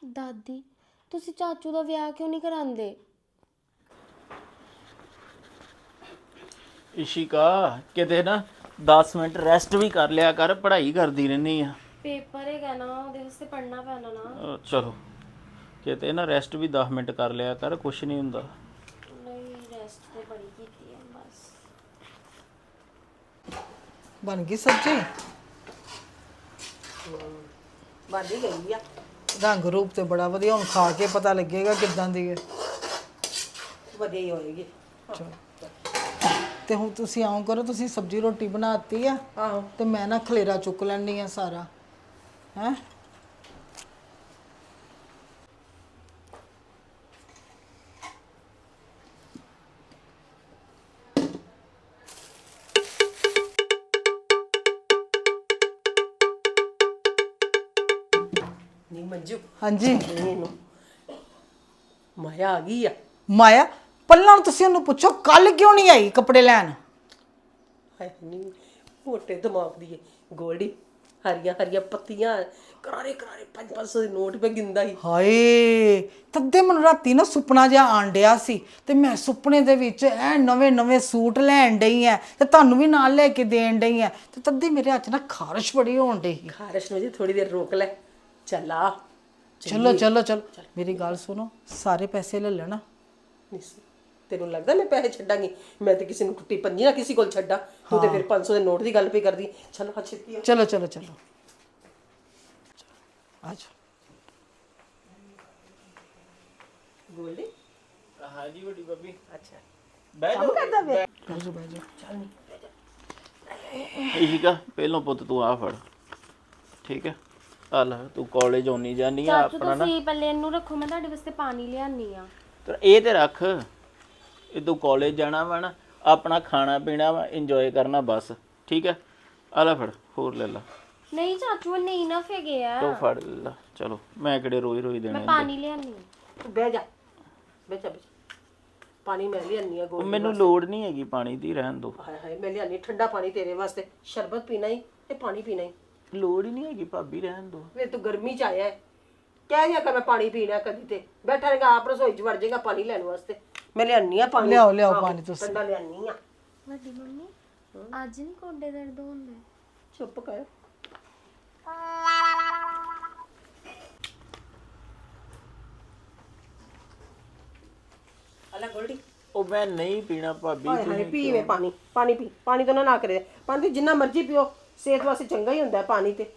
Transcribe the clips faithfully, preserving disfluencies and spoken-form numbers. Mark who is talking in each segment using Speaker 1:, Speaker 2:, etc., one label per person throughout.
Speaker 1: ਦਾਦੀ ਤੁਸੀਂ ਚਾਚੂ ਦਾ ਵਿਆਹ ਕਿਉਂ ਨਹੀਂ ਕਰਾਉਂਦੇ?
Speaker 2: ਇਸ਼ਿਕਾ ਕਿਤੇ ਨਾ ਦਸ ਮਿੰਟ ਰੈਸਟ ਵੀ ਕਰ ਲਿਆ ਕਰ, ਪੜ੍ਹਾਈ ਕਰਦੀ ਰਹਿੰਦੀ ਆ।
Speaker 1: ਪੇਪਰ ਹੈਗਾ ਨਾ, ਉਹਦੇ ਵਾਸਤੇ ਪੜ੍ਹਨਾ ਪੈਣਾ ਨਾ।
Speaker 2: ਅਹ ਚਲੋ ਕਿਤੇ ਨਾ ਰੈਸਟ ਵੀ ਦਸ ਮਿੰਟ ਕਰ ਲਿਆ ਕਰ, ਕੁਛ ਨਹੀਂ ਹੁੰਦਾ।
Speaker 1: ਨਹੀਂ ਰੈਸਟ ਤੇ ਬੜੀ ਕੀਤੀ ਹੈ ਬਸ।
Speaker 3: ਬਣ ਗਈ ਸਬਜ਼ੀ?
Speaker 4: ਬਣ ਹੀ ਗਈ ਆ।
Speaker 3: ਰੰਗ ਰੂਪ ਤੇ ਬੜਾ ਵਧੀਆ, ਹੁਣ ਖਾ ਕੇ ਪਤਾ ਲੱਗੇਗਾ ਕਿੱਦਾਂ ਦੀ ਹੈ।
Speaker 4: ਵਧੀਆ ਹੀ ਹੋਏਗੀ।
Speaker 3: ਚਲੋ ਤੇ ਹੁਣ ਤੁਸੀਂ ਆਉਂ ਕਰੋ, ਤੁਸੀਂ ਸਬਜ਼ੀ ਰੋਟੀ ਬਣਾਤੀ ਆ
Speaker 4: ਆਹੋ
Speaker 3: ਤੇ ਮੈਂ ਨਾ ਖਲੇਰਾ ਚੁੱਕ ਲੈਣੀ ਆ ਸਾਰਾ ਹੈ।
Speaker 4: ਨਹੀਂ ਮੰਜੂ,
Speaker 3: ਹਾਂਜੀ
Speaker 4: ਇਹਨੂੰ ਮਾਇਆ ਆ ਗਈ ਆ।
Speaker 3: ਮਾਇਆ ਪਹਿਲਾਂ ਤੁਸੀਂ ਉਹਨੂੰ ਪੁੱਛੋ ਕੱਲ ਕਿਉਂ ਨਹੀਂ ਆਈ ਕੱਪੜੇ ਲੈਣ?
Speaker 4: ਹਾਏ ਨਹੀਂ, ਮੋਟੇ ਦਿਮਾਗ ਦੀ ਏ ਗੋਲਡੀ। ਹਰੀਆਂ ਹਰੀਆਂ ਪੱਤੀਆਂ, ਕਰਾਰੇ ਕਰਾਰੇ ਪੰਜ ਪੰਜ ਸੌ ਦੇ ਨੋਟ ਪੇ ਗਿੰਦਾ ਹੀ।
Speaker 3: ਹਾਏ ਤੱਦੇ ਮੈਨੂੰ ਰਾਤੀ ਨਾ ਸੁਪਨਾ ਜਿਹਾ ਆਣ ਡਿਆ ਸੀ ਤੇ ਮੈਂ ਸੁਪਨੇ ਦੇ ਵਿੱਚ ਐ ਨਵੇਂ ਨਵੇਂ ਸੂਟ ਲੈਣ ਡਈ ਐ ਤੇ ਤੁਹਾਨੂੰ ਵੀ ਨਾਲ ਲੈ ਕੇ ਦੇਣ ਡਈ ਐ ਤੇ ਤੱਦੇ ਮੇਰੇ ਹੱਥ 'ਚ ਨਾ ਖਾਰਿਸ਼ ਬੜੀ ਹੋਣ ਡਈ।
Speaker 4: ਖਾਰਸ਼ ਨੂੰ ਜੀ ਥੋੜੀ ਦੇਰ ਰੋਕ ਲੈ। ਚੱਲ ਆ।
Speaker 3: ਚਲੋ ਚਲੋ ਚਲੋ ਮੇਰੀ ਗੱਲ ਸੁਣੋ, ਸਾਰੇ ਪੈਸੇ ਲੈ ਲੈਣਾ।
Speaker 4: ਨਹੀਂ, ਤੈਨੂੰ ਲੱਗਦਾ ਮੈਂ ਪੈਸੇ ਛੱਡਾਂਗੀ? ਮੈਂ ਤੇ ਕਿਸੇ ਨੂੰ ਟੁੱਟੀ ਪੰਜੀ ਨਾ ਕਿਸੇ ਕੋਲ ਛੱਡਾਂ। ਤੂੰ ਤੇ ਫਿਰ ਪੰਜ ਸੌ ਦੇ ਨੋਟ ਦੀ ਗੱਲ ਪਈ ਕਰਦੀ। ਚਲੋ ਆ ਛੇਤੀ ਆ।
Speaker 3: ਚਲੋ ਚਲੋ ਚਲੋ ਆ ਜਾਓ।
Speaker 4: ਗੋਲਡੀ
Speaker 2: ਹਾਂਜੀ ਵੱਡੀ ਬੱਬੀ,
Speaker 4: ਅੱਛਾ
Speaker 2: ਬਹਿ
Speaker 4: ਕੰਮ ਕਰਦਾ ਵੇ।
Speaker 3: ਬਹਿ ਜਾਓ ਬਹਿ ਜਾਓ।
Speaker 4: ਚੱਲ ਨਹੀਂ
Speaker 2: ਇਸ਼ਿਕਾ ਪਹਿਲੋਂ ਪੁੱਤ ਤੂੰ ਆ ਫੜ, ਠੀਕ ਹੈ? ਆ ਲੈ ਤੂੰ ਕਾਲਜ ਆਉਣੀ ਜਾਨੀ ਆ
Speaker 1: ਚਾਚੂ
Speaker 2: ਆਪਣਾ ਨਾ
Speaker 1: ਤੁਸੀਂ ਪੱਲੇ ਇਹਨੂੰ ਰੱਖੋ, ਮੈਂ ਤੁਹਾਡੇ ਵਾਸਤੇ ਪਾਣੀ ਲਿਆਨੀ ਆ।
Speaker 2: ਤੇ ਇਹ ਤੇ ਰੱਖ, ਇਹ ਤੂੰ ਕਾਲਜ ਜਾਣਾ ਵਾ ਨਾ, ਆਪਣਾ ਖਾਣਾ ਪੀਣਾ ਵਾ, ਇੰਜੋਏ ਕਰਨਾ ਬਸ, ਠੀਕ ਹੈ? ਆ ਲੈ ਫੜ, ਹੋਰ ਲੈ ਲਾ।
Speaker 1: ਨਹੀਂ ਚਾਚੂ ਨਹੀਂ ਨਾ ਫੇਗੇ ਆ।
Speaker 2: ਤੂੰ ਫੜ ਲੈ, ਚਲੋ ਮੈਂ ਕਿਹੜੇ ਰੋਜ਼ ਰੋਜ਼ ਦੇਣੇ
Speaker 1: ਮੈਂ
Speaker 2: ਹੁੰਦੇ।
Speaker 1: ਪਾਣੀ ਲਿਆਨੀ ਆ।
Speaker 4: ਤੂੰ ਬਹਿ ਜਾ, ਬਹਿ ਜਾ, ਬਹਿ ਜਾ। ਪਾਣੀ ਮੈਂ ਲਿਆਨੀ ਆ ਗੋਲਡੀ।
Speaker 2: ਮੈਨੂੰ ਲੋੜ ਨਹੀਂ ਹੈਗੀ ਪਾਣੀ ਦੀ, ਰਹਿਣ ਦੋ।
Speaker 4: ਹਾਏ ਹਾਏ, ਮੈਂ ਲਿਆਨੀ ਠੰਡਾ ਪਾਣੀ ਤੇਰੇ ਵਾਸਤੇ। ਸ਼ਰਬਤ ਪੀਣਾ ਹੀ ਤੇ ਪਾਣੀ ਪੀਣਾ ਹੀ।
Speaker 2: ਲੋੜ ਹੀ ਨਹੀਂ ਹੈਗੀ ਭਾਬੀ, ਰਹਿਣ ਦੋ।
Speaker 4: ਵੇ ਤੂੰ ਗਰਮੀ ਚ ਆਇਆ ਹੈ, ਕਹਿ ਦਿਆ ਕਰ ਮੈਂ ਪਾਣੀ ਪੀਣਾ ਕਦੀ ਤੇ ਬੈਠਾ ਰਹੇਗਾ ਆਪ ਰਸੋਈ ਚ ਵੜ ਜਾਏਗਾ ਪਾਣੀ ਲੈਣ ਵਾਸਤੇ। ਮੈਂ ਲਿਆਨੀ ਆ ਪਾਣੀ।
Speaker 3: ਲਿਆਓ ਲਿਆਓ
Speaker 4: ਆਹੋ,
Speaker 3: ਪਾਣੀ ਤੁਸੀਂ।
Speaker 4: ਠੰਡਾ ਲਿਆਨੀ ਆ।
Speaker 1: ਵੱਡੀ ਮੰਮੀ ਅੱਜ ਨਹੀਂ ਕੋਡੇ ਦਰਦ ਹੁੰਦੇ?
Speaker 4: ਚੁੱਪ ਕਰ। ਅਲਾ ਗੋਲਡੀ,
Speaker 2: ਉਹ ਮੈਂ ਨਹੀਂ ਪੀਣਾ ਭਾਬੀ।
Speaker 4: ਹਾਏ ਹਾਏ, ਪੀ ਵੇ ਪਾਣੀ, ਪਾਣੀ ਪੀ। ਪਾਣੀ ਤੋਂ ਨਾ ਨਾ ਕਰੇ। ਪਾਣੀ ਤੇ ਜਿੰਨਾ ਮਰਜ਼ੀ ਪੀਓ, ਸਿਹਤ ਵਾਸਤੇ ਚੰਗਾ ਹੀ ਹੁੰਦਾ ਹੈ ਪਾਣੀ ਤੇ।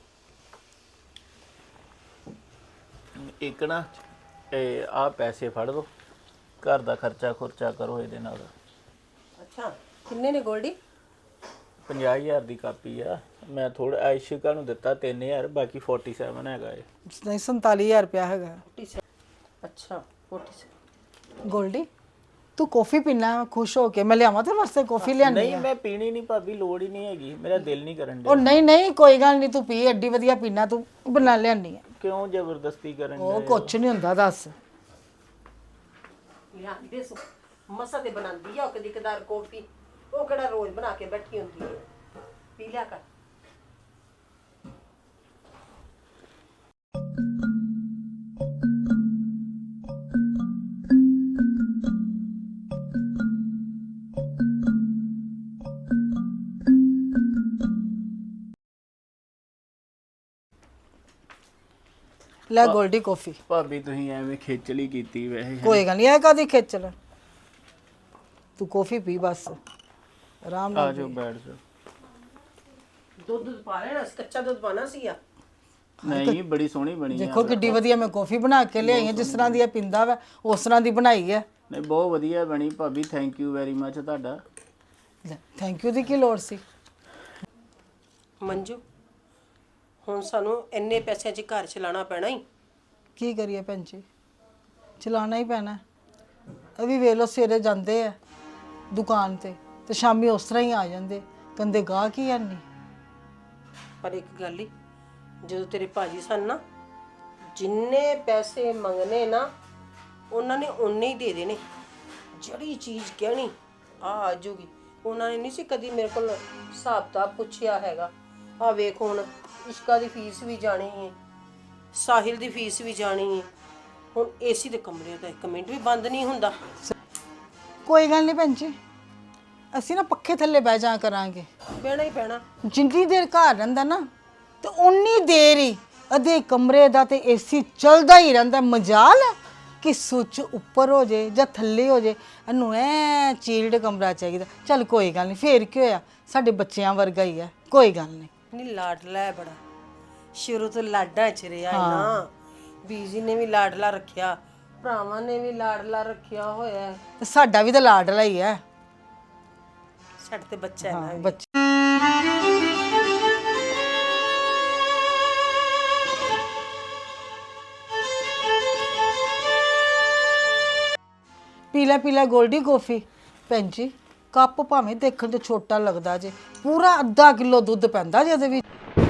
Speaker 2: ਇੱਕ ਨਾ ਇਹ ਆ ਪੈਸੇ ਫੜ ਲਓ, ਘਰ ਦਾ ਖਰਚਾ ਖੁਰਚਾ ਕਰੋ ਇਹਦੇ ਨਾਲ।
Speaker 4: ਅੱਛਾ ਕਿੰਨੇ ਨੇ ਗੋਲਡੀ?
Speaker 2: ਪੰਜਾਹ ਹਜ਼ਾਰ ਦੀ ਕਾਪੀ ਆ, ਮੈਂ ਥੋੜਾ ਇਸ਼ਿਕਾ ਨੂੰ ਦਿੱਤਾ ਤਿੰਨ ਹਜ਼ਾਰ, ਬਾਕੀ ਸੈਂਤਾਲੀ ਹੈਗਾ ਏ।
Speaker 3: ਨਹੀਂ ਸੰਤਾਲੀ ਹਜ਼ਾਰ ਰੁਪਇਆ ਹੈਗਾ।
Speaker 4: ਅੱਛਾ ਫੋਰਟੀ।
Speaker 3: ਗੋਲਡੀ ਤੂੰ ਕੌਫੀ ਪੀਣਾ ਖੁਸ਼ ਹੋ ਕੇ? ਮੈਂ ਲਿਆਵਾਂ ਤੇਰੇ ਵਾਸਤੇ ਕੌਫੀ ਲਿਆਣੀ
Speaker 2: ਨਹੀਂ
Speaker 3: ਆ।
Speaker 2: ਮੈਂ ਪੀਣੀ ਨਹੀਂ ਭਾਬੀ, ਲੋੜ ਹੀ ਨਹੀਂ ਹੈਗੀ, ਮੇਰਾ ਦਿਲ ਨਹੀਂ ਕਰਨ
Speaker 3: ਉਹ
Speaker 2: ਡਿਆ।
Speaker 3: ਨਹੀਂ ਨਹੀਂ ਕੋਈ ਗੱਲ ਨਹੀਂ, ਤੂੰ ਪੀ, ਐਡੀ ਵਧੀਆ ਪੀਣਾ ਤੂੰ, ਬਣਾ ਲਿਆਨੀ ਆ।
Speaker 2: ਕਿਉਂ ਜ਼ਬਰਦਸਤੀ ਕਰਨ
Speaker 3: ਉਹ
Speaker 2: ਡਏ?
Speaker 3: ਕੁਛ ਨਹੀਂ ਹੁੰਦਾ, ਦੱਸ।
Speaker 4: ਲਿਆਂਦੀ ਦੇ ਸੋ ਮਸਾ ਤੇ ਬਣਾਉਂਦੀ ਆ ਉਹ ਕਦੀ ਕਦਾਰ ਕੌਫੀ। ਉਹ ਕਿਹੜਾ ਰੋਜ਼ ਬਣਾ ਕੇ ਬੈਠੀ ਹੁੰਦੀ ਹੈ। ਪੀ ਲਿਆ ਕਰ।
Speaker 3: ਲੈ ਗੋਲਡੀ ਕੌਫੀ।
Speaker 2: ਭਾਬੀ ਤੁਸੀਂ ਐਵੇਂ ਖੇਚਲੀ ਕੀਤੀ ਵੈਸੇ।
Speaker 3: ਕੋਈ ਗੱਲ ਨਹੀਂ, ਇਹ ਕਾਦੀ ਖੇਚਲ? ਤੂੰ ਕੌਫੀ ਪੀ ਬਸ, ਆਰਾਮ
Speaker 2: ਆ
Speaker 3: ਨਾਲ
Speaker 2: ਜਾਓ
Speaker 3: ਪੀ।
Speaker 2: ਬੈਠ ਜਾਓ।
Speaker 4: ਦੁੱਧ ਦੁੱਧ ਪਾ ਲੈਣਾ ਸੀ, ਕੱਚਾ ਦੁੱਧ ਪਾਣਾ ਸੀ ਆ।
Speaker 2: ਨਹੀਂ ਬੜੀ ਸੋਹਣੀ ਬਣੀ ਆ।
Speaker 3: ਦੇਖੋ ਕਿੱਡੀ ਵਧੀਆ ਮੈਂ ਕੌਫੀ ਬਣਾ ਕੇ ਲਿਆਈ ਹਾਂ, ਜਿਸ ਤਰ੍ਹਾਂ ਦੀ ਇਹ ਪਿੰਦਾ ਵਾ ਉਸ ਤਰ੍ਹਾਂ ਦੀ ਬਣਾਈ ਹੈ।
Speaker 2: ਨਹੀਂ ਬਹੁਤ ਵਧੀਆ ਬਣੀ ਭਾਬੀ, ਥੈਂਕ ਯੂ ਵੈਰੀ ਮੱਚ ਤੁਹਾਡਾ।
Speaker 3: ਥੈਂਕ ਯੂ ਦੀ ਕੀ ਲੋੜ ਸੀ?
Speaker 4: ਮੰਜੂ ਹੁਣ ਸਾਨੂੰ ਇੰਨੇ ਪੈਸਿਆਂ 'ਚ ਘਰ ਚਲਾਉਣਾ ਪੈਣਾ ਹੀ।
Speaker 3: ਕੀ ਕਰੀਏ ਭੈਣ ਜੀ, ਚਲਾਉਣਾ ਹੀ ਪੈਣਾ। ਇਹ ਵੀ ਵੇਖ ਲਓ ਸਵੇਰੇ ਜਾਂਦੇ ਆ ਦੁਕਾਨ ਤੇ ਤੇ ਸ਼ਾਮੀ ਉਸ ਤਰ੍ਹਾਂ ਹੀ ਆ ਜਾਂਦੇ, ਕਹਿੰਦੇ ਗਾਹਕ ਹੀ ਹੈ ਨਹੀਂ।
Speaker 4: ਪਰ ਇੱਕ ਗੱਲ ਹੀ, ਜਦੋਂ ਤੇਰੇ ਭਾਜੀ ਸਨ ਨਾ, ਜਿੰਨੇ ਪੈਸੇ ਮੰਗਨੇ ਨਾ ਉਹਨਾਂ ਨੇ ਉਨੇ ਹੀ ਦੇ ਦੇਣੇ। ਜਿਹੜੀ ਚੀਜ਼ ਕਹਿਣੀ ਆ ਆ ਜੂਗੀ। ਉਹਨਾਂ ਨੇ ਨਹੀਂ ਸੀ ਕਦੀ ਮੇਰੇ ਕੋਲ ਹਿਸਾਬ ਕਿਤਾਬ ਪੁੱਛਿਆ ਹੈਗਾ। ਆ ਵੇਖ ਹੁਣ ਇਸ਼ਕਾ ਦੀ ਫੀਸ ਵੀ ਜਾਣੀ ਹੈ ਸਾਹਿਲ ਦੀ ਫੀਸ ਵੀ ਜਾਣੀ ਹੈ। ਹੁਣ ਏਸੀ ਦੇ ਕਮਰੇ ਦਾ ਇੱਕ ਮਿੰਟ ਵੀ ਬੰਦ ਨਹੀਂ ਹੁੰਦਾ।
Speaker 3: ਕੋਈ ਗੱਲ ਨਹੀਂ ਭੈਣ ਜੀ, ਅਸੀਂ ਨਾ ਪੱਖੇ ਥੱਲੇ ਬਹਿ ਜਾ ਕਰਾਂਗੇ।
Speaker 4: ਬਹਿਣਾ ਹੀ ਪੈਣਾ।
Speaker 3: ਜਿੰਨੀ ਦੇਰ ਘਰ ਰਹਿੰਦਾ ਨਾ ਤੇ ਉਨੀ ਦੇਰ ਹੀ ਅਧੇ ਕਮਰੇ ਦਾ ਤੇ ਏਸੀ ਚੱਲਦਾ ਹੀ ਰਹਿੰਦਾ। ਮਜਾਲ ਹੈ ਕਿ ਸੁੱਚ ਉੱਪਰ ਹੋ ਜੇ ਜਾਂ ਥੱਲੇ ਹੋ ਜੇ, ਇਹਨੂੰ ਐ ਚੀਲਡ ਕਮਰਾ ਚਾਹੀਦਾ। ਚੱਲ ਕੋਈ ਗੱਲ ਨਹੀਂ, ਫੇਰ ਕੀ ਹੋਇਆ, ਸਾਡੇ ਬੱਚਿਆਂ ਵਰਗਾ ਹੀ ਹੈ, ਕੋਈ ਗੱਲ ਨਹੀਂ।
Speaker 4: ਨਹੀਂ ਲਾਡਲਾ ਹੈ ਬੜਾ, ਸ਼ੁਰੂ ਤੋਂ ਲਾਡਾਂ ਚ ਰਿਹਾ ਹੈ ਨਾ। ਬੀਜੀ ਨੇ ਵੀ ਲਾਡਲਾ ਰੱਖਿਆ, ਭਰਾਵਾਂ ਨੇ ਵੀ ਲਾਡਲਾ ਰੱਖਿਆ ਹੋਇਆ ਹੈ।
Speaker 3: ਤੇ ਸਾਡਾ ਵੀ ਤਾਂ ਲਾਡਲਾ ਹੀ ਹੈ।
Speaker 4: ਸਾਡੇ ਤੇ ਬੱਚਾ ਹੈ ਨਾ।
Speaker 3: ਬੱਚੇ ਪੀਲਾ ਪੀਲਾ ਗੋਲਡੀ ਕੌਫੀ। ਭੈਣ ਜੀ ਕੱਪ ਭਾਵੇਂ ਦੇਖਣ ਤੇ ਛੋਟਾ ਲੱਗਦਾ ਜੇ, ਪੂਰਾ ਅੱਧਾ ਕਿਲੋ ਦੁੱਧ ਪੈਂਦਾ ਜੇ ਇਹਦੇ ਵਿੱਚ।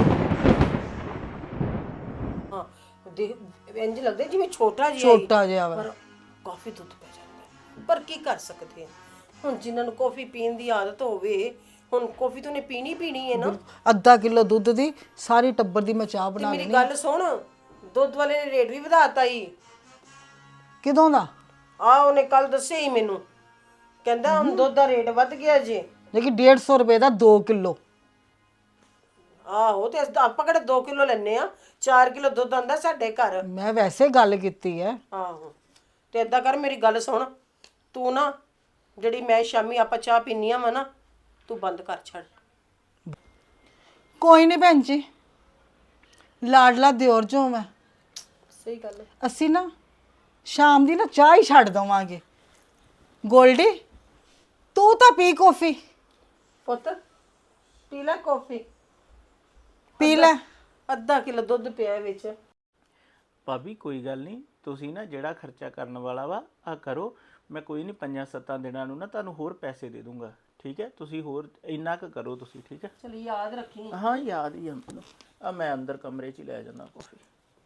Speaker 4: ਹਾਂ ਦੇਖ ਇੰਜ ਲੱਗਦਾ ਜਿਵੇਂ ਛੋਟਾ ਜਿਹਾ ਹੀ,
Speaker 3: ਛੋਟਾ ਜਿਹਾ ਵਾ।
Speaker 4: ਪਰ ਕਾਫੀ ਦੁੱਧ ਪੈ ਜਾਂਦਾ ਹੈ। ਪਰ ਕੀ ਕਰ ਸਕਦੇ ਹਾਂ, ਹੁਣ ਜਿਨ੍ਹਾਂ ਨੂੰ ਕਾਫੀ ਪੀਣ ਦੀ ਆਦਤ ਹੋਵੇ, ਹੁਣ ਕਾਫੀ ਤਾਂ ਨੇ ਪੀਣੀ ਪੀਣੀ ਹੈ ਨਾ।
Speaker 3: ਅੱਧਾ ਕਿਲੋ ਦੁੱਧ ਦੀ ਸਾਰੀ ਟੱਬਰ ਦੀ ਮੈਂ ਚਾਹ
Speaker 4: ਤੇ
Speaker 3: ਬਣਾ
Speaker 4: ਮੇਰੀ
Speaker 3: ਲੈਣੀ।
Speaker 4: ਗੱਲ ਸੁਣ, ਦੁੱਧ ਵਾਲੇ ਨੇ ਰੇਟ ਵੀ ਵਧਾਤਾ ਹੀ।
Speaker 3: ਕਿਦੋਂ ਦਾ?
Speaker 4: ਆ ਉਹਨੇ ਕੱਲ ਦੱਸਿਆ ਹੀ ਮੈਨੂੰ, ਕਹਿੰਦਾ ਹੁਣ ਦੁੱਧ ਦਾ ਰੇਟ ਵੱਧ ਗਿਆ ਜੇ।
Speaker 3: ਲੇਕਿਨ ਡੇਢ ਸੌ ਰੁਪਏ ਦਾ ਦੋ ਕਿਲੋ।
Speaker 4: ਆਹੋ ਤੇ ਅਸੀਂ ਤਾਂ ਆਪਾਂ ਕਿਹੜਾ ਦੋ ਕਿਲੋ ਲੈਨੇ ਆ, ਚਾਰ ਕਿਲੋ ਦੁੱਧ ਆਂਦਾ ਸਾਡੇ ਘਰ।
Speaker 3: ਮੈਂ ਵੈਸੇ ਗੱਲ ਕੀਤੀ ਹੈ।
Speaker 4: ਆਹੋ ਤੇ ਏਦਾਂ ਕਰ, ਮੇਰੀ ਗੱਲ ਸੁਣ, ਤੂੰ ਨਾ ਜਿਹੜੀ ਮੈਂ ਸ਼ਾਮੀ ਆਪਾਂ ਚਾਹ ਪੀਨੀਆਂ ਵਾ ਨਾ, ਤੂੰ ਬੰਦ ਕਰ ਛੱਡ।
Speaker 3: ਕੋਈ ਨਹੀਂ ਭੈਣ ਜੀ, ਲਾਡਲਾ ਦਿਓਰ ਜੋ ਮੈਂ।
Speaker 4: ਸਹੀ ਗੱਲ ਹੈ।
Speaker 3: ਅਸੀਂ ਨਾ ਸ਼ਾਮ ਦੀ ਨਾ ਚਾਹ ਹੀ ਛੱਡ ਦਵਾਂਗੇ। ਗੋਲਡੀ ਤੂੰ ਤਾਂ ਪੀ ਕੌਫੀ।
Speaker 4: ਪੁੱਤ ਪੀ ਲੈ ਕਾਫੀ,
Speaker 3: ਪੀ ਲੈ।
Speaker 4: ਅੱਧਾ ਕਿਲੋ ਦੁੱਧ ਪਿਆ ਵਿੱਚ।
Speaker 2: ਭਾਬੀ ਕੋਈ ਗੱਲ ਨਹੀਂ, ਤੁਸੀਂ ਨਾ ਜਿਹੜਾ ਖਰਚਾ ਕਰਨ ਵਾਲਾ ਵਾ ਆ ਕਰੋ। ਮੈਂ ਕੋਈ ਨਹੀਂ ਪੰਜਾਂ ਸੱਤਾਂ ਦਿਨਾਂ ਨੂੰ ਨਾ ਤੁਹਾਨੂੰ ਹੋਰ ਪੈਸੇ ਦੇ ਦੂੰਗਾ, ਠੀਕ ਹੈ? ਤੁਸੀਂ ਹੋਰ ਇੰਨਾ ਕੁ ਕਰੋ ਤੁਸੀਂ, ਠੀਕ ਹੈ?
Speaker 4: ਚਲ ਯਾਦ ਰੱਖੀ।
Speaker 2: ਹਾਂ ਯਾਦ ਹੀ ਆ ਮੈਨੂੰ। ਆ ਮੈਂ ਅੰਦਰ ਕਮਰੇ 'ਚ ਹੀ ਲੈ ਜਾਂਦਾ ਕਾਫੀ।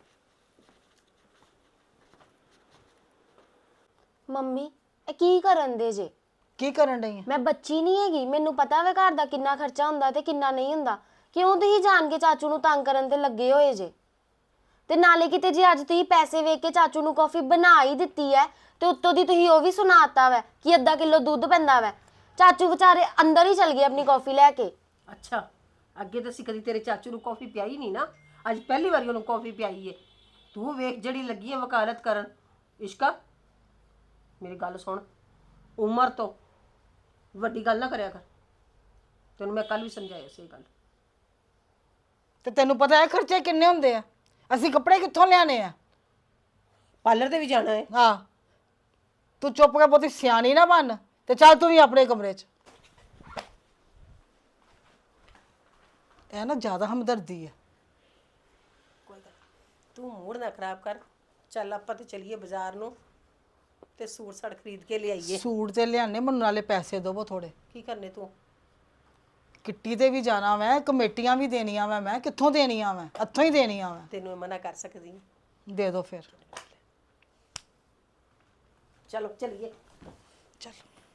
Speaker 1: ਮੰਮੀ ਇਹ ਕੀ ਕਰਨ ਦੇ ਜੇ?
Speaker 3: ਕੀ ਕਰਨ ਡਈ ਹੈ?
Speaker 1: ਮੈਂ ਬੱਚੀ ਨਹੀਂ ਹੈਗੀ, ਮੈਨੂੰ ਪਤਾ ਵਾ ਘਰ ਦਾ ਕਿੰਨਾ ਖਰਚਾ ਹੁੰਦਾ ਤੇ ਕਿੰਨਾ ਨਹੀਂ ਹੁੰਦਾ। ਕਿਉਂ ਤੁਸੀਂ ਜਾਣ ਕੇ ਚਾਚੂ ਨੂੰ ਤੰਗ ਕਰਨ ਤੇ ਲੱਗੇ ਹੋਏ ਜੇ? ਤੇ ਨਾਲੇ ਕਿਤੇ ਜੇ ਅੱਜ ਤੁਸੀਂ ਪੈਸੇ ਵੇਖ ਕੇ ਚਾਚੂ ਨੂੰ ਕਾਫੀ ਬਣਾ ਹੀ ਦਿੱਤੀ ਹੈ ਤੇ ਉੱਤੋਂ ਦੀ ਤੁਸੀਂ ਉਹ ਵੀ ਸੁਣਾਤਾ ਵਾ ਕਿ ਅੱਧਾ ਕਿਲੋ ਦੁੱਧ ਪੈਂਦਾ ਵਾ। ਚਾਚੂ ਵਿਚਾਰੇ ਅੰਦਰ ਹੀ ਚਲ ਗਏ ਆਪਣੀ ਕਾਫੀ ਲੈ ਕੇ।
Speaker 4: ਅੱਛਾ, ਅੱਗੇ ਤਾਂ ਅਸੀਂ ਕਦੀ ਤੇਰੇ ਚਾਚੂ ਨੂੰ ਕਾਫੀ ਪਿਆਈ ਨਹੀਂ ਨਾ, ਅੱਜ ਪਹਿਲੀ ਵਾਰੀ ਉਹਨੂੰ ਕਾਫੀ ਪਿਆਈ ਏ। ਤੂੰ ਵੇਖ ਜਿਹੜੀ ਲੱਗੀ ਹੈ ਵਕਾਲਤ ਕਰਨ। ਇਸ਼ਕਾ ਮੇਰੀ ਗੱਲ ਸੁਣ, ਉਮਰ ਤੋਂ ਵੱਡੀ ਗੱਲ ਨਾ ਕਰਿਆ ਕਰ। ਤੈਨੂੰ ਮੈਂ ਕੱਲ ਵੀ ਸਮਝਾਇਆ ਸੀ ਇਹ ਗੱਲ।
Speaker 3: ਤੇ ਤੈਨੂੰ ਪਤਾ ਹੈ ਖਰਚੇ ਕਿੰਨੇ ਹੁੰਦੇ ਆ? ਅਸੀਂ ਕੱਪੜੇ ਕਿੱਥੋਂ ਲਿਆਣੇ ਆ?
Speaker 4: ਪਾਰਲਰ ਤੇ ਵੀ ਜਾਣਾ ਹੈ।
Speaker 3: ਹਾਂ, ਤੂੰ ਚੁੱਪ ਕੇ ਬਹੁਤੀ ਸਿਆਣੀ ਨਾ ਬਣ ਤੇ ਚੱਲ ਤੂੰ ਵੀ ਆਪਣੇ ਕਮਰੇ 'ਚ। ਇਹ ਨਾ ਜ਼ਿਆਦਾ ਹਮਦਰਦੀ ਹੈ।
Speaker 4: ਕੋਈ ਗੱਲ ਤੂੰ ਮੂਡ ਨਾ ਖਰਾਬ ਕਰ। ਚੱਲ ਆਪਾਂ ਤੇ ਚਲੀਏ ਬਾਜ਼ਾਰ ਨੂੰ ਤੇ ਸੂਟ ਸਾੜ ਖਰੀਦ ਕੇ ਲਿਆਈਏ।
Speaker 3: ਸੂਟ ਤੇ ਲਿਆਣੇ, ਮੈਨੂੰ ਨਾਲੇ ਪੈਸੇ ਦੇਵੋ ਥੋੜੇ।
Speaker 4: ਕੀ ਕਰਨੇ ਤੂੰ?
Speaker 3: ਕਿੱਟੀ ਤੇ ਵੀ ਜਾਣਾ ਮੈਂ, ਕਮੇਟੀਆਂ ਵੀ ਦੇਣੀਆਂ ਮੈਂ। ਮੈਂ ਕਿੱਥੋਂ ਦੇਣੀਆਂ ਮੈਂ? ਇੱਥੋਂ ਹੀ ਦੇਣੀਆਂ ਮੈਂ।
Speaker 4: ਤੈਨੂੰ ਮੈਂ ਮਨਾ ਕਰ ਸਕਦੀ ਹਾਂ?
Speaker 3: ਦੇ ਦਿਓ ਫਿਰ।
Speaker 4: ਚਲੋ ਚਲੀਏ।
Speaker 3: ਚਲ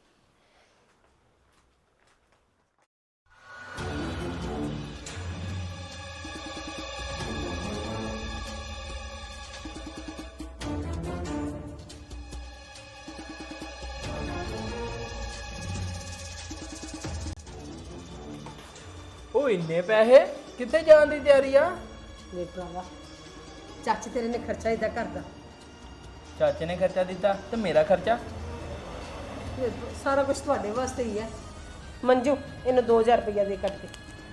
Speaker 5: ਉਹ ਇੰਨੇ ਪੈਸੇ ਕਿੱਥੇ ਜਾਣ ਦੀ ਤਿਆਰੀ ਆ?
Speaker 4: ਮੇਰੇ ਭਰਾਵਾ, ਚਾਚੇ ਤੇਰੇ ਨੇ ਖਰਚਾ ਇਦਾਂ ਕਰਦਾ।
Speaker 5: ਚਾਚੇ ਨੇ ਖਰਚਾ ਦਿੱਤਾ ਤੇ ਮੇਰਾ ਖਰਚਾ?
Speaker 4: ਸਾਰਾ ਕੁਝ ਤੁਹਾਡੇ ਵਾਸਤੇ ਹੀ ਹੈ। ਮੰਜੂ ਇਹਨੂੰ ਦੋ ਹਜ਼ਾਰ ਰੁਪਇਆ ਦੇ ਕੱਟ ਕੇ।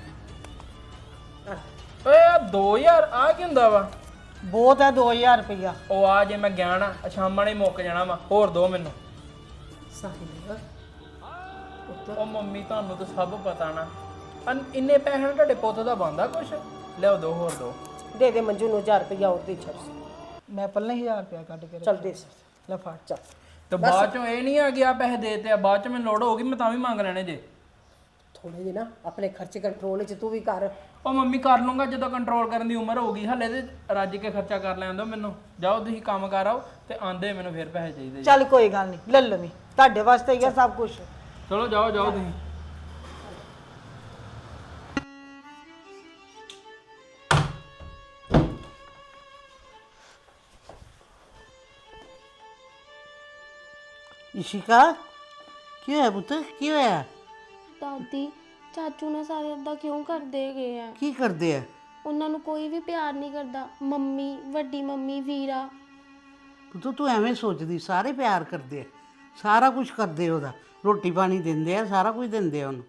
Speaker 5: ਓਏ ਆ ਦੋ ਹਜ਼ਾਰ ਆ ਕੀ ਹੁੰਦਾ ਵਾ?
Speaker 3: ਬਹੁਤ ਹੈ ਦੋ ਹਜ਼ਾਰ ਰੁਪਇਆ।
Speaker 5: ਉਹ ਆ ਜੇ ਮੈਂ ਗਿਆ ਨਾ ਸ਼ਾਮਾਂ ਨੇ ਮੁੱਕ ਜਾਣਾ ਵਾ, ਹੋਰ ਦੋ ਮੈਨੂੰ।
Speaker 4: ਸਾਹਿਲ
Speaker 5: ਉਹ ਮੰਮੀ ਤੁਹਾਨੂੰ ਤਾਂ ਸਭ ਪਤਾ ਨਾ, ਅਨ ਇੰਨੇ ਪੈਸੇ ਨਾਲ ਤੁਹਾਡੇ ਪੁੱਤ ਦਾ ਬਣਦਾ ਕੁਛ? ਲਿਆਓ ਦੋ ਹੋਰ ਦੋ।
Speaker 4: ਦੇ ਦੇ ਮੰਜੂ ਨੂੰ ਹਜ਼ਾਰ ਰੁਪਇਆ ਹੋਰ ਦੇ ਛੱਡ।
Speaker 3: ਮੈਂ ਪਹਿਲਾਂ ਹੀ ਹਜ਼ਾਰ ਰੁਪਇਆ ਕੱਢ ਕੇ
Speaker 4: ਚੱਲ ਦੇ
Speaker 3: ਲੈ ਫੜ।
Speaker 4: ਚੱਲ।
Speaker 5: ਤੇ ਬਾਅਦ ਚੋਂ ਇਹ ਨਹੀਂ ਆ ਗਿਆ ਪੈਸੇ ਦੇ ਤੇ ਆ, ਬਾਅਦ ਚ ਮੈਨੂੰ ਲੋੜ ਹੋਗੀ ਮੈਂ ਤਾਂ ਵੀ ਮੰਗ ਲੈਣੇ ਜੇ।
Speaker 4: ਥੋੜੇ ਜਿਹੇ ਨਾ ਆਪਣੇ ਖਰਚੇ ਕੰਟਰੋਲ 'ਚ ਤੂੰ ਵੀ ਕਰ।
Speaker 5: ਉਹ ਮੰਮੀ ਕਰ ਲੂੰਗਾ ਜਦੋਂ ਕੰਟਰੋਲ ਕਰਨ ਦੀ ਉਮਰ ਹੋਊਗੀ, ਹਲੇ ਤੇ ਰੱਜ ਕੇ ਖਰਚਾ ਕਰ ਲੈਣ ਦਿਓ ਮੈਨੂੰ। ਜਾਓ ਤੁਸੀਂ ਕੰਮ ਕਰ ਆਓ ਤੇ ਆਂਦੇ ਮੈਨੂੰ ਫਿਰ ਪੈਸੇ ਚਾਹੀਦੇ।
Speaker 3: ਚੱਲ ਕੋਈ ਗੱਲ ਨਹੀਂ, ਲੈ ਲਵੀਂ, ਤੁਹਾਡੇ ਵਾਸਤੇ ਹੀ ਆ ਸਭ ਕੁਝ।
Speaker 5: ਚਲੋ ਜਾਓ ਜਾਓ ਤੁਸੀਂ।
Speaker 6: ਇਸ਼ਿਕਾ ਕੀ ਹੋਇਆ ਪੁੱਤ ਕੀ ਹੋਇਆ
Speaker 1: ਦਾਦੀ ਚਾਚੂ ਨੇ ਸਾਰੇ ਏਦਾਂ ਕਿਉਂ ਕਰਦੇ ਗਏ ਆ?
Speaker 6: ਕੀ ਕਰਦੇ ਆ
Speaker 1: ਉਹਨਾਂ ਨੂੰ ਕੋਈ ਵੀ ਪਿਆਰ ਨਹੀਂ ਕਰਦਾ। ਮੰਮੀ, ਵੱਡੀ ਮੰਮੀ, ਵੀਰਾ।
Speaker 6: ਪੁੱਤ ਤੂੰ ਐਵੇਂ ਸੋਚਦੀ, ਸਾਰੇ ਪਿਆਰ ਕਰਦੇ ਆ, ਸਾਰਾ ਕੁਝ ਕਰਦੇ ਉਹਦਾ, ਰੋਟੀ ਪਾਣੀ ਦਿੰਦੇ ਆ, ਸਾਰਾ ਕੁਝ ਦਿੰਦੇ ਆ ਉਹਨੂੰ।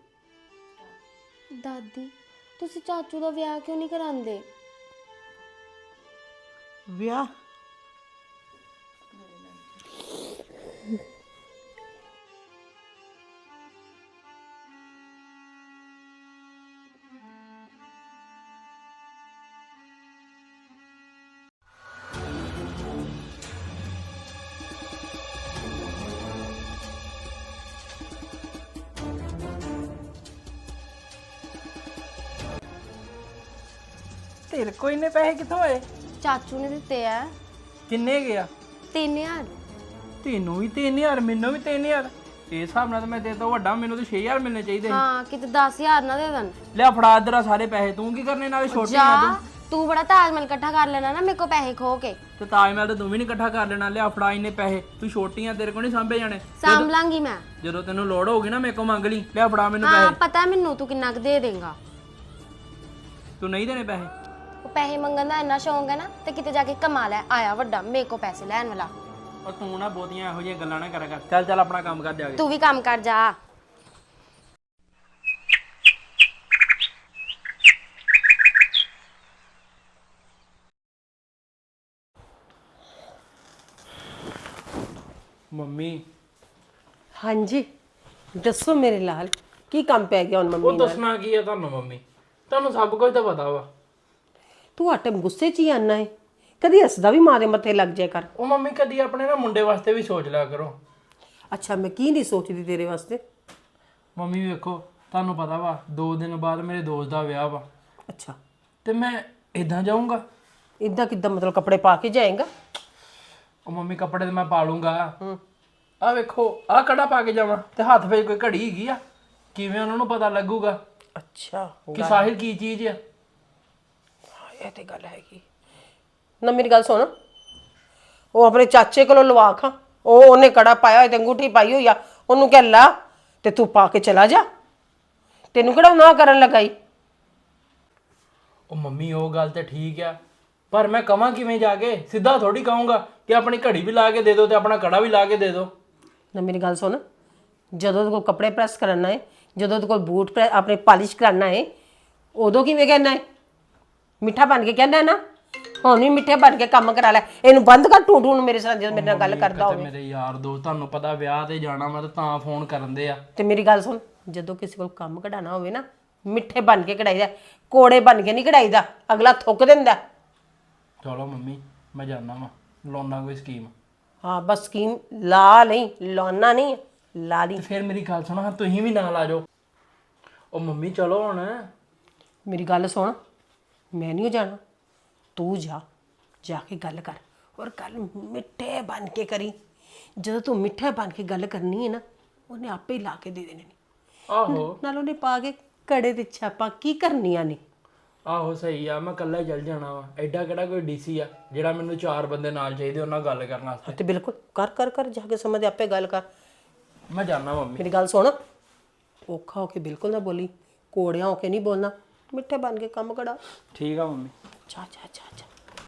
Speaker 1: ਦਾਦੀ ਤੁਸੀਂ ਚਾਚੂ ਦਾ ਵਿਆਹ ਕਿਉਂ ਨਹੀਂ ਕਰਾਉਂਦੇ?
Speaker 6: ਵਿਆਹ
Speaker 5: ਤੇਰੇ ਕੋਈ ਨੇ ਪੈਸੇ ਕਿੱਥੋਂ ਆਏ?
Speaker 1: ਚਾਚੂ ਨੇ ਦਿੱਤੇ ਆ
Speaker 5: ਕਿੰਨੇ ਗਿਆ?
Speaker 1: ਤਿੰਨ ਹਜ਼ਾਰ।
Speaker 5: ਤੈਨੂੰ ਵੀ ਤਿੰਨ ਹਜ਼ਾਰ, ਮੈਨੂੰ ਵੀ ਤਿੰਨ ਹਜ਼ਾਰ। ਇਸ ਹਿਸਾਬ ਨਾਲ ਤਾਂ ਮੈਂ ਤੇਰੇ ਤੋਂ ਵੱਡਾ, ਮੈਨੂੰ ਤਾਂ ਛੇ ਹਜ਼ਾਰ ਮਿਲਣੇ ਚਾਹੀਦੇ ਸੀ।
Speaker 1: ਹਾਂ ਕਿਤੇ ਦਸ ਹਜ਼ਾਰ ਨਾ ਦੇ ਦੇਣ।
Speaker 5: ਲਿਆ ਫੜਾ ਇਧਰ ਸਾਰੇ ਪੈਸੇ। ਤੂੰ ਕੀ ਕਰਨੇ ਨਾਲੇ ਛੋਟੀ ਆ
Speaker 1: ਜਾ ਤੂੰ ਬੜਾ ਤਾਜ ਮਹਿਲ ਇਕੱਠਾ ਕਰ ਲੈਣਾ ਨਾ ਮੇਰੇ ਕੋ ਪੈਸੇ ਖੋ ਕੇ।
Speaker 5: ਤੇ ਤਾਜ ਮਹਿਲ ਤਾਂ ਤੂੰ ਵੀ ਨਹੀਂ ਇਕੱਠਾ ਕਰ ਲੈਣਾ। ਲਿਆ ਫੜਾ ਇੰਨੇ ਪੈਸੇ। ਤੂੰ ਛੋਟੀ ਆ, ਤੇਰੇ ਕੋਲ ਨਹੀਂ ਸਾਂਭੇ ਜਾਣੇ।
Speaker 1: ਸਾਂਭ ਲਾਂਗੀ ਮੈਂ।
Speaker 5: ਜਦੋਂ ਤੈਨੂੰ ਲੋੜ ਹੋਊਗੀ ਨਾ ਮੇਰੇ ਕੋਲ ਮੰਗ ਲਈ। ਲਿਆ ਫੜਾ ਮੈਨੂੰ
Speaker 1: ਹਾਂ
Speaker 5: ਪੈਸੇ।
Speaker 1: ਪਤਾ ਮੈਨੂੰ ਤੂੰ ਕਿੰਨਾ ਕੁ ਦੇ ਦੇਂਗਾ।
Speaker 5: ਤੂੰ ਨਹੀਂ ਦੇਣੇ ਪੈਸੇ?
Speaker 1: ਉਹ ਪੈਸੇ ਮੰਗਣ ਦਾ ਇੰਨਾ ਸ਼ੌਂਕ ਹੈ ਨਾ ਤੇ ਕਿਤੇ ਜਾ ਕੇ ਕਮਾ ਲੈ। ਆਇਆ ਵੱਡਾ ਮੇਰੇ ਕੋ ਪੈਸੇ ਲੈਣ ਵਾਲਾ।
Speaker 5: ਔਰ ਤੂੰ ਨਾ ਬਹੁਤੀਆਂ ਇਹੋ ਜਿਹੀਆਂ ਗੱਲਾਂ ਨਾ ਕਰਿਆ ਕਰ। ਚੱਲ ਚੱਲ ਆਪਣਾ ਕੰਮ ਕਰ ਜਾ ਕੇ।
Speaker 1: ਤੂੰ ਵੀ ਕੰਮ ਕਰ ਜਾ।
Speaker 5: ਮੰਮੀ
Speaker 4: ਹਾਂਜੀ ਦੱਸੋ ਮੇਰੇ ਲਾਲ, ਕੀ ਕੰਮ ਪੈ ਗਿਆ ਹੁਣ ਮੰਮੀ
Speaker 5: ਉਹ
Speaker 4: ਨਾਲ?
Speaker 5: ਦੱਸਣਾ ਕੀ ਹੈ ਤੁਹਾਨੂੰ ਮੰਮੀ? ਤੁਹਾਨੂੰ ਸਭ ਕੁਝ ਤਾਂ ਪਤਾ ਵਾ।
Speaker 4: ਤੂੰ ਹਟਮ ਗੁੱਸੇ 'ਚ ਹੀ ਆਨਾ ਹੈ, ਕਦੀ ਹੱਸਦਾ ਵੀ ਮਾਰੇ ਮੱਥੇ ਲੱਗ ਜਾਇਆ ਕਰ।
Speaker 5: ਉਹ ਮੰਮੀ ਕਦੀ ਆਪਣੇ ਨਾ ਮੁੰਡੇ ਵਾਸਤੇ ਵੀ ਸੋਚ ਲਿਆ ਕਰੋ।
Speaker 4: ਅੱਛਾ ਮੈਂ ਕੀ ਨਹੀਂ ਸੋਚਦੀ ਤੇਰੇ ਵਾਸਤੇ?
Speaker 5: ਮੰਮੀ ਵੇਖੋ ਤੁਹਾਨੂੰ ਪਤਾ ਵਾ ਦੋ ਦਿਨ ਬਾਅਦ ਮੇਰੇ ਦੋਸਤ ਦਾ ਵਿਆਹ ਵਾ
Speaker 4: ਅੱਛਾ
Speaker 5: ਤੇ ਮੈਂ ਇਦਾਂ ਜਾਊਂਗਾ।
Speaker 4: ਇਦਾਂ ਕਿੱਦਾਂ, ਮਤਲਬ ਕੱਪੜੇ ਪਾ ਕੇ ਜਾਏਗਾ?
Speaker 5: ਉਹ ਮੰਮੀ ਕੱਪੜੇ ਤੇ ਮੈਂ ਪਾ ਲੂੰਗਾ। ਆ ਵੇਖੋ ਆ ਕੜਾ ਪਾ ਕੇ ਜਾਵਾਂ ਤੇ ਹੱਥ ਵਿੱਚ ਕੋਈ ਘੜੀ ਹੈਗੀ ਆ, ਕਿਵੇਂ ਉਹਨਾਂ ਨੂੰ ਪਤਾ ਲੱਗੂਗਾ
Speaker 4: ਅੱਛਾ
Speaker 5: ਕਿ ਸਾਹਿਲ ਕੀ ਚੀਜ਼ ਆ?
Speaker 4: ਇਹ ਤੇ ਗੱਲ ਹੈਗੀ ਨਾ। ਮੇਰੀ ਗੱਲ ਸੁਣ, ਉਹ ਆਪਣੇ ਚਾਚੇ ਕੋਲੋਂ ਲਵਾ ਖਾਂ। ਉਹ ਉਹਨੇ ਕੜਾ ਪਾਇਆ ਹੋਇਆ ਤੇ ਅੰਗੂਠੀ ਪਾਈ ਹੋਈ ਆ, ਉਹਨੂੰ ਕਹਿ ਲਾ ਤੇ ਤੂੰ ਪਾ ਕੇ ਚਲਾ ਜਾ। ਤੈਨੂੰ ਕਿਹੜਾ ਨਾ ਕਰਨ ਲਗਾਈ?
Speaker 5: ਉਹ ਮੰਮੀ ਉਹ ਗੱਲ ਤੇ ਠੀਕ ਆ, ਪਰ ਮੈਂ ਕਵਾਂ ਕਿਵੇਂ ਜਾ ਕੇ? ਸਿੱਧਾ ਥੋੜੀ ਕਹੂੰਗਾ ਕਿ ਆਪਣੀ ਘੜੀ ਵੀ ਲਾ ਕੇ ਦੇ ਦਿਓ ਤੇ ਆਪਣਾ ਕੜਾ ਵੀ ਲਾ ਕੇ ਦੇ ਦਿਓ।
Speaker 4: ਨਾ ਮੇਰੀ ਗੱਲ ਸੁਣ, ਜਦੋਂ ਤੂੰ ਕੱਪੜੇ ਪ੍ਰੈਸ ਕਰਨਾ ਹੈ, ਜਦੋਂ ਤੂੰ ਕੋਈ ਬੂਟ ਪ੍ਰੈਸ ਆਪਣੇ ਪਾਲਿਸ਼ ਕਰਨਾ ਹੈ, ਉਦੋਂ ਕਿਵੇਂ ਕਹਿਣਾ ਹੈ? ਮਿੱਠਾ ਬਣ ਕੇ ਕਹਿੰਦਾ ਨਾ, ਹੁਣ ਵੀ ਮਿੱਠੇ ਬਣ ਕੇ ਕੰਮ ਕਰਾ ਲੈ। ਇਹਨੂੰ ਬੰਦ ਕਰ ਟੂ ਟੂ ਨੂੰ ਮੇਰੇ ਸਾਹ ਜਦੋਂ ਮੇਰੇ ਨਾਲ ਗੱਲ ਕਰਦਾ
Speaker 5: ਤੇ
Speaker 4: ਹੋਵੇ।
Speaker 5: ਮੇਰੇ ਯਾਰ ਦੋਸਤ ਤੁਹਾਨੂੰ ਪਤਾ ਵਿਆਹ ਤੇ ਜਾਣਾ ਮੈਂ ਤਾਂ ਫੋਨ ਕਰਨ ਦੇ ਆ।
Speaker 4: ਤੇ ਮੇਰੀ ਗੱਲ ਸੁਣ, ਜਦੋਂ ਕਿਸੇ ਕੋਲ ਕੰਮ ਕਢਾਣਾ ਹੋਵੇ ਨਾ, ਮਿੱਠੇ ਬਣ ਕੇ ਕਢਾਈਦਾ, ਕੋੜੇ ਬਣ ਕੇ ਨਹੀਂ ਕਢਾਈਦਾ। ਅਗਲਾ ਥੁੱਕ ਦਿੰਦਾ।
Speaker 5: ਚਲੋ ਮੰਮੀ ਮੈਂ ਜਾਣਾ ਵਾ, ਲਾਉਣਾ ਕੋਈ ਸਕੀਮ।
Speaker 4: ਹਾਂ ਬਸ ਸਕੀਮ ਲਾ ਨਹੀਂ, ਲਾਉਣਾ ਨਹੀਂ, ਲਾ ਲਈ।
Speaker 5: ਤੇ ਫਿਰ ਮੇਰੀ ਗੱਲ ਸੁਣੋ, ਹਾਂ ਤੁਸੀਂ ਵੀ ਨਾਲ ਆ ਜਾਓ। ਉਹ ਮੰਮੀ ਚਲੋ ਹੁਣ।
Speaker 4: ਮੇਰੀ ਗੱਲ ਸੁਣ, ਮੈਂ ਨਹੀਂ ਜਾਣਾ, ਤੂੰ ਜਾ, ਜਾ ਕੇ ਗੱਲ ਕਰ। ਔਰ ਗੱਲ ਮਿੱਠੇ ਬਣ ਕੇ ਕਰੀ। ਜਦੋਂ ਤੂੰ ਮਿੱਠੇ ਬਣ ਕੇ ਗੱਲ ਕਰਨੀ ਹੈ ਨਾ, ਉਹਨੇ ਆਪੇ ਹੀ ਲਾ ਕੇ ਦੇ ਦੇਣੇ ਨੇ।
Speaker 5: ਆਹੋ
Speaker 4: ਨਾਲ ਉਹਨੇ ਪਾ ਕੇ ਕੜੇ ਤੇ ਛਾਪਾਂ ਕੀ ਕਰਨੀਆਂ ਨੇ।
Speaker 5: ਆਹੋ ਸਹੀ ਆ, ਮੈਂ ਇਕੱਲਾ ਹੀ ਚੱਲ ਜਾਣਾ ਵਾ। ਐਡਾ ਕਿਹੜਾ ਕੋਈ ਡੀਸੀ ਆ ਜਿਹੜਾ ਮੈਨੂੰ ਚਾਰ ਬੰਦੇ ਨਾਲ ਚਾਹੀਦੇ ਉਹਨਾਂ ਨਾਲ ਗੱਲ ਕਰਨ ਵਾਸਤੇ।
Speaker 4: ਤੇ ਬਿਲਕੁਲ ਕਰ ਕਰ ਕਰ ਜਾ ਕੇ ਸਮਝ ਆਪੇ ਗੱਲ ਕਰ।
Speaker 5: ਮੈਂ ਜਾਣਾ ਮੰਮੀ।
Speaker 4: ਮੇਰੀ ਗੱਲ ਸੁਣ, ਔਖਾ ਹੋ ਕੇ ਬਿਲਕੁਲ ਨਾ ਬੋਲੀ, ਕੋੜਿਆਂ ਹੋ ਕੇ ਨਹੀਂ ਬੋਲਣਾ। ਮਿੱਠੇ ਬਣ ਕੇ ਕੰਮ ਕਰਾ।
Speaker 5: ਠੀਕ ਆ ਮੰਮੀ।
Speaker 4: ਜਾ ਜਾ ਜਾ ਜਾ।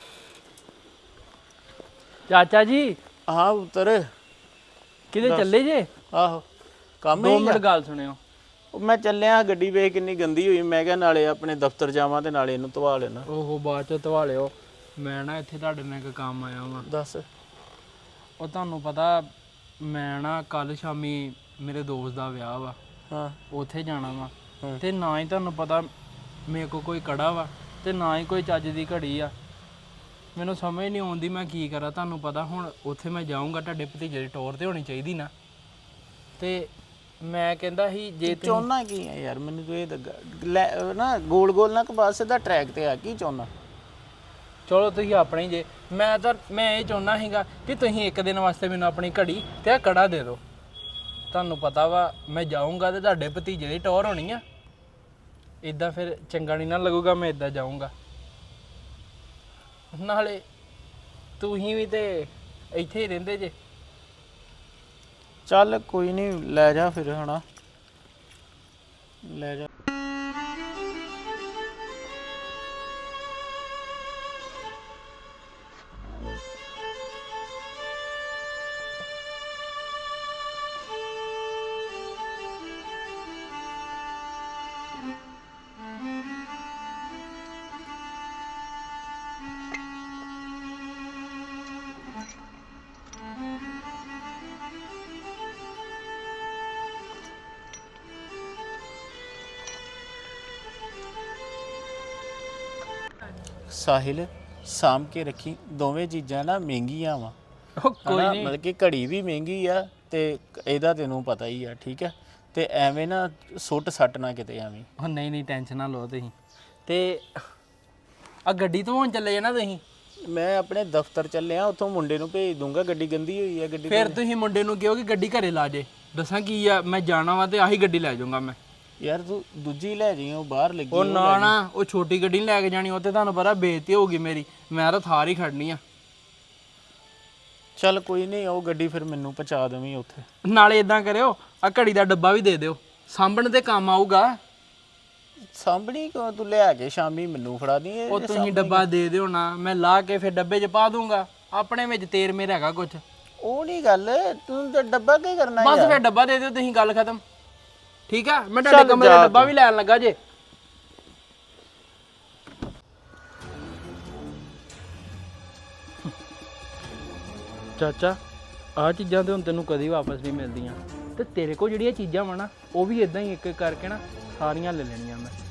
Speaker 5: ਚਾਚਾ ਜੀ
Speaker 2: ਹਾਂ ਉਤਰ।
Speaker 5: ਕਿਤੇ ਚੱਲੇ ਜੇ?
Speaker 2: ਆਹੋ ਕੰਮ
Speaker 5: ਦੋ
Speaker 2: ਹੀ
Speaker 5: ਮਿੰਟ ਗੱਲ ਸੁਣਿਓ।
Speaker 2: ਉਹ ਮੈਂ ਚੱਲਿਆ, ਗੱਡੀ ਵੇਖ ਕਿੰਨੀ ਗੰਦੀ ਹੋਈ। ਮੈਂ ਕਿਹਾ ਨਾਲੇ ਆਪਣੇ ਦਫ਼ਤਰ ਜਾਵਾਂ ਤੇ ਨਾਲੇ ਇਹਨੂੰ ਧਵਾ ਲੈਣਾ।
Speaker 5: ਓਹੋ ਬਾਅਦ ਚ ਧਵਾ ਲਿਓ। ਮੈਂ ਨਾ ਇੱਥੇ ਤੁਹਾਡੇ ਨਾਲ ਇੱਕ ਕੰਮ ਆਇਆ ਵਾਂ।
Speaker 2: ਦੱਸ।
Speaker 5: ਉਹ ਤੁਹਾਨੂੰ ਪਤਾ ਮੈਂ ਨਾ ਕੱਲ ਸ਼ਾਮੀ ਮੇਰੇ ਦੋਸਤ ਦਾ ਵਿਆਹ ਵਾ,
Speaker 2: ਹਾਂ
Speaker 5: ਉੱਥੇ ਜਾਣਾ ਵਾ। ਤੇ ਨਾ ਹੀ ਤੁਹਾਨੂੰ ਪਤਾ ਮੇਰੇ ਕੋਲ ਕੋਈ ਕੜਾ ਵਾ ਤੇ ਨਾ ਹੀ ਕੋਈ ਚੱਜ ਦੀ ਘੜੀ ਆ। ਮੈਨੂੰ ਸਮਝ ਨਹੀਂ ਆਉਂਦੀ ਮੈਂ ਕੀ ਕਰਾਂ। ਤੁਹਾਨੂੰ ਪਤਾ ਹੁਣ ਉੱਥੇ ਮੈਂ ਜਾਊਂਗਾ, ਤੁਹਾਡੇ ਭਤੀਜੇ ਦੀ ਟੌਰ ਤੇ ਹੋਣੀ ਚਾਹੀਦੀ ਨਾ। ਤੇ ਮੈਂ ਕਹਿੰਦਾ ਸੀ ਜੇ ਤੁਸੀਂ
Speaker 2: ਚਾਹੁੰਦਾ ਕੀ ਹੈ ਯਾਰ, ਮੈਨੂੰ ਤੂੰ ਇਹ ਦੱਗਾ ਲੈ ਨਾ, ਗੋਲ ਗੋਲ ਨਾ ਕਪਾਸ ਸਿੱਧਾ ਟਰੈਕ ਤੇ ਆ। ਕੀ ਚਾਹੁੰਦਾ?
Speaker 5: ਚਲੋ ਤੁਸੀਂ ਆਪਣੇ ਜੇ, ਮੈਂ ਤਾਂ ਮੈਂ ਇਹ ਚਾਹੁੰਦਾ ਸੀਗਾ ਕਿ ਤੁਸੀਂ ਇੱਕ ਦਿਨ ਵਾਸਤੇ ਮੈਨੂੰ ਆਪਣੀ ਘੜੀ ਤੇ ਆ ਕੜਾ ਦੇ ਦਿਓ। ਤੁਹਾਨੂੰ ਪਤਾ ਵਾ ਮੈਂ ਜਾਊਂਗਾ ਤੇ ਤੁਹਾਡੇ ਭਤੀਜੇ ਦੀ ਟੌਰ ਹੋਣੀ ਆ। ਇਦਾਂ ਫਿਰ ਚੰਗਾ ਨਹੀਂ ਨਾ ਲੱਗੂਗਾ, ਮੈਂ ਇਦਾਂ ਜਾਊਂਗਾ। ਨਾਲੇ ਤੁਸੀਂ ਵੀ ਤੇ ਇੱਥੇ ਹੀ ਰਹਿੰਦੇ ਜੇ।
Speaker 2: ਚੱਲ ਕੋਈ ਨਹੀਂ ਲੈ ਜਾ ਫਿਰ ਹਣਾ ਲੈ ਜਾ। ਸਾਹਿਲ ਸਾਂਭ ਕੇ ਰੱਖੀ, ਦੋਵੇਂ ਚੀਜ਼ਾਂ ਨਾ ਮਹਿੰਗੀਆਂ ਵਾ।
Speaker 5: ਉਹ ਕੋਈ ਨਹੀਂ,
Speaker 2: ਮਤਲਬ ਕਿ ਘੜੀ ਵੀ ਮਹਿੰਗੀ ਆ ਤੇ ਇਹਦਾ ਤੈਨੂੰ ਪਤਾ ਹੀ ਆ, ਠੀਕ ਹੈ। ਤੇ ਐਵੇਂ ਨਾ ਸੁੱਟ ਸੱਟ ਨਾ ਕਿਤੇ ਐਵੇਂ।
Speaker 5: ਉਹ ਨਹੀਂ ਨਹੀਂ ਟੈਨਸ਼ਨ ਨਾ ਲਓ ਤੁਸੀਂ। ਤੇ ਆ ਗੱਡੀ ਤੋਂ ਹੁਣ ਚੱਲੇ ਜਾਣਾ ਤੁਸੀਂ?
Speaker 2: ਮੈਂ ਆਪਣੇ ਦਫ਼ਤਰ ਚੱਲਿਆ, ਉੱਥੋਂ ਮੁੰਡੇ ਨੂੰ ਭੇਜ ਦੂੰਗਾ, ਗੱਡੀ ਗੰਦੀ ਹੋਈ ਆ ਗੱਡੀ।
Speaker 5: ਫਿਰ ਤੁਸੀਂ ਮੁੰਡੇ ਨੂੰ ਕਿਹਾ ਕਿ ਗੱਡੀ ਘਰੇ ਲਾ ਜੇ। ਦੱਸਾਂ ਕੀ ਆ, ਮੈਂ ਜਾਣਾ ਵਾ ਤੇ ਆਹੀ ਗੱਡੀ ਲੈ ਜਾਊਂਗਾ ਮੈਂ।
Speaker 2: ਯਾਰ ਤੂੰ ਦੂਜੀ ਲੈ ਜਾਈਂ, ਉਹ ਬਾਹਰ ਲੱਗੀ।
Speaker 5: ਉਹ ਨਾ ਨਾ, ਉਹ ਛੋਟੀ ਗੱਡੀ ਨਹੀਂ ਲੈ ਕੇ ਜਾਣੀ, ਉਹ ਤੇ ਤੁਹਾਨੂੰ ਪਤਾ ਬੇਇੱਜ਼ਤੀ ਹੋਊਗੀ ਮੇਰੀ। ਮੈਂ ਤਾਂ ਥਾਰ ਹੀ ਖੜਨੀ ਆ।
Speaker 2: ਚੱਲ ਕੋਈ ਨਹੀਂ, ਉਹ ਗੱਡੀ ਫਿਰ ਮੈਨੂੰ ਪਹੁੰਚਾ ਦੇਵੀਂ ਉੱਥੇ।
Speaker 5: ਨਾਲੇ ਇਦਾਂ ਕਰਿਓ, ਆ ਘੜੀ ਦਾ ਡੱਬਾ ਵੀ ਦੇ ਦਿਓ, ਸਾਂਭਣ ਤੇ ਕੰਮ ਆਊਗਾ।
Speaker 2: ਸਾਂਭਣੀ ਕਿਉਂ, ਤੂੰ ਲਿਆ ਕੇ ਸ਼ਾਮੀ ਮੈਨੂੰ ਫੜਾ ਦੀ।
Speaker 5: ਉਹ ਤੁਸੀਂ ਡੱਬਾ ਦੇ ਦਿਓ ਨਾ, ਮੈਂ ਲਾ ਕੇ ਫਿਰ ਡੱਬੇ 'ਚ ਪਾ ਦੂੰਗਾ। ਆਪਣੇ ਵਿੱਚ ਤੇਰ ਮੇਰਾ ਹੈਗਾ ਕੁਛ।
Speaker 2: ਉਹ ਨਹੀਂ ਗੱਲ, ਤੂੰ ਤਾਂ ਡੱਬਾ ਕੀ ਕਰਨਾ
Speaker 5: ਬਸ ਫਿਰ ਡੱਬਾ ਦੇ ਦਿਓ ਤੁਸੀਂ, ਗੱਲ ਖਤਮ। ਠੀਕ ਆ, ਮੈਂ ਤੁਹਾਡੇ ਕਮਰੇ ਦਾ ਡੱਬਾ ਵੀ ਲੈਣ ਲੱਗਾ ਜੇ। ਚਾਚਾ ਆਹ ਚੀਜ਼ਾਂ ਤੇ ਹੁਣ ਤੈਨੂੰ ਕਦੀ ਵਾਪਸ ਨਹੀਂ ਮਿਲਦੀਆਂ, ਤੇ ਤੇਰੇ ਕੋਲ ਜਿਹੜੀਆਂ ਚੀਜ਼ਾਂ ਵਾ ਨਾ, ਉਹ ਵੀ ਇਦਾਂ ਹੀ ਇੱਕ ਇੱਕ ਕਰਕੇ ਨਾ ਸਾਰੀਆਂ ਲੈ ਲੈਣੀਆਂ ਮੈਂ।